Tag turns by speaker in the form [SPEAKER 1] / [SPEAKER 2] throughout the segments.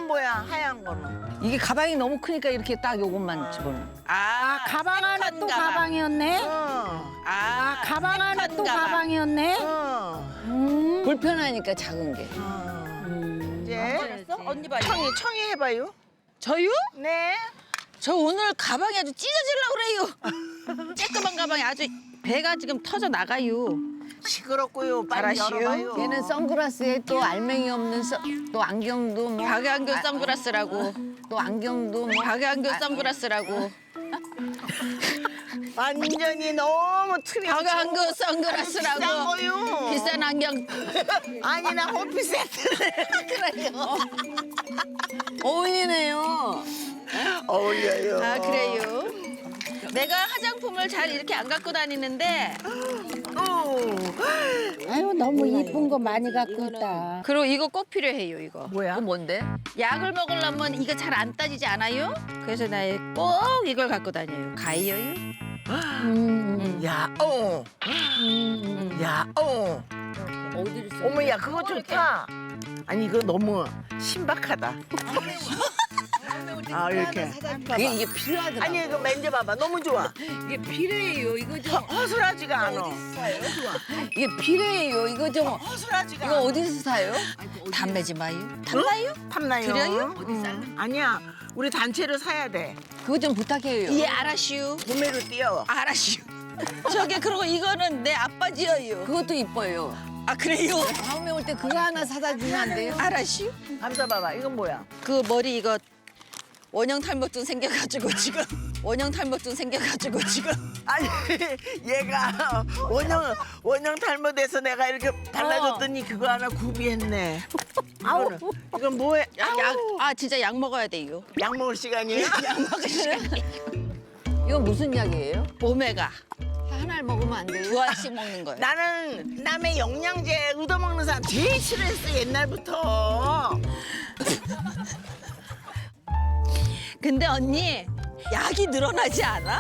[SPEAKER 1] 이건 뭐야? 하얀 거는.
[SPEAKER 2] 이게 가방이 너무 크니까 이렇게 딱 요것만 집어넣어.
[SPEAKER 3] 가방 안에 또 가방이었네. 가방 안에 또 가방이었네.
[SPEAKER 2] 불편하니까 작은 게.
[SPEAKER 1] 이제
[SPEAKER 4] 언니 봐요.
[SPEAKER 1] 청이 해봐요.
[SPEAKER 4] 저요?
[SPEAKER 1] 네.
[SPEAKER 4] 저 오늘 가방이 아주 찢어지려고 그래요. 쬐끄만 가방이 아주 배가 지금 터져 나가요.
[SPEAKER 1] 시끄럽고요. 빨리
[SPEAKER 4] 알았슈.
[SPEAKER 1] 열어봐요.
[SPEAKER 2] 얘는 선글라스에 또 알맹이 없는 또 안경도 뭐.
[SPEAKER 4] 박양교 선글라스라고.
[SPEAKER 2] 또 안경도 뭐.
[SPEAKER 4] 박양교 선글라스라고.
[SPEAKER 1] 완전히 너무 틀이.
[SPEAKER 4] 박양교
[SPEAKER 1] 비싼
[SPEAKER 4] 선글라스라고.
[SPEAKER 1] 거요.
[SPEAKER 4] 비싼 안경.
[SPEAKER 1] 아니 나 호피 세트를. 그래요.
[SPEAKER 2] 어울리네요.
[SPEAKER 1] 어울려요.
[SPEAKER 4] 아 그래요. 내가 화장품을 잘 이렇게 안 갖고 다니는데
[SPEAKER 3] 아유 너무 이쁜 거 많이 갖고 있다.
[SPEAKER 4] 그리고 이거 꼭 필요해요 이거.
[SPEAKER 2] 뭐야? 뭔데?
[SPEAKER 4] 약을 먹으려면 이거 잘 안 따지지 않아요? 그래서 나 꼭 이걸 갖고 다녀요. 가이어요.
[SPEAKER 1] 야, 야,
[SPEAKER 2] 어디를 써?
[SPEAKER 1] 어머, 야, 그거 좋다. 아니, 이거 너무 신박하다. 아, 이렇게.
[SPEAKER 2] 이게 필요하더라.
[SPEAKER 1] 아니, 이거 만져봐봐. 너무 좋아.
[SPEAKER 2] 이게 필요해요. 이거 좀.
[SPEAKER 1] 허술하지가 않아.
[SPEAKER 2] 이게 필요해요. 이거 좀.
[SPEAKER 1] 허술하지가
[SPEAKER 2] 이거
[SPEAKER 1] 않아.
[SPEAKER 2] 어디서 사요?
[SPEAKER 4] 담배지 마요. 탐나요?
[SPEAKER 1] 탐나요?
[SPEAKER 4] 드려요?
[SPEAKER 1] 아니야. 우리 단체로 사야 돼.
[SPEAKER 2] 그거 좀 부탁해요.
[SPEAKER 4] 예 알았슈.
[SPEAKER 1] 구매로 뛰어.
[SPEAKER 4] 알았슈. 저기 그리고 이거는 내 아빠 지어요.
[SPEAKER 2] 그것도 이뻐요.
[SPEAKER 4] 아 그래요?
[SPEAKER 2] 다음에 올 때 그거 하나 사다 주면 안 돼요?
[SPEAKER 4] 알았슈.
[SPEAKER 1] 감사봐봐. 이건 뭐야?
[SPEAKER 4] 그 머리 이거 원형 탈모증 생겨가지고 지금 원형 탈모증 생겨가지고 지금
[SPEAKER 1] 아니, 얘가 원형 잘못해서 내가 이렇게 발라줬더니 그거 하나 구비했네. 아우, 이건 뭐해?
[SPEAKER 4] 진짜 약 먹어야 돼요.
[SPEAKER 1] 약 먹을 시간이에요?
[SPEAKER 4] 약 먹을 시간.
[SPEAKER 2] 이건 무슨 약이에요?
[SPEAKER 4] 오메가
[SPEAKER 2] 하나를 먹으면 안 돼요?
[SPEAKER 4] 두 알씩 먹는 거예요.
[SPEAKER 1] 나는 남의 영양제 얻어먹는 사람 제일 싫어했어, 옛날부터.
[SPEAKER 4] 근데 언니 약이 늘어나지 않아?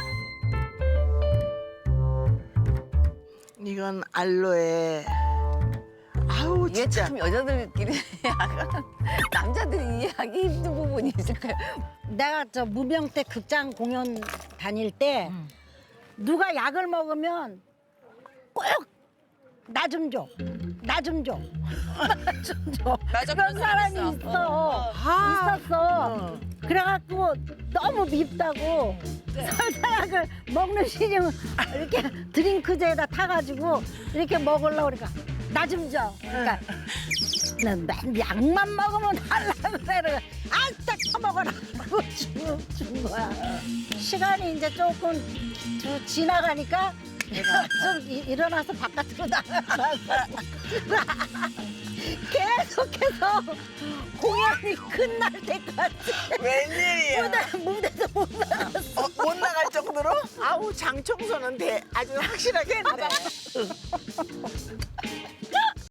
[SPEAKER 1] 이건 알로에. 아우,
[SPEAKER 2] 이게
[SPEAKER 1] 진짜.
[SPEAKER 2] 참 여자들끼리 약간 남자들이 이해하기 힘든 부분이 있을까요?
[SPEAKER 3] 내가 저 무명 때 극장 공연 다닐 때 누가 약을 먹으면 꼭 나 좀 줘. 나 좀 줘. 나 좀 줘.
[SPEAKER 4] 맞아,
[SPEAKER 3] 그런
[SPEAKER 4] 그런
[SPEAKER 3] 사람이
[SPEAKER 4] 사람
[SPEAKER 3] 있어. 있었어. 그래갖고 너무 밉다고 설사약을 먹는 시중 이렇게 드링크제에다 타가지고 이렇게 먹으려고 그러니까 나 좀 줘. 그러니까 난 약만 먹으면 달라고 그래. 딱 처먹어라. 그러고 준 거야. 시간이 이제 조금 지나가니까 좀 일어나서 바깥으로 나가라고 계속해서 공연이 끝날 때까지
[SPEAKER 1] 웬일이야?
[SPEAKER 3] 무대도 못 나갔어.
[SPEAKER 1] 못 나갈 정도로? 아우, 장 청소는 아주 확실하게 했네.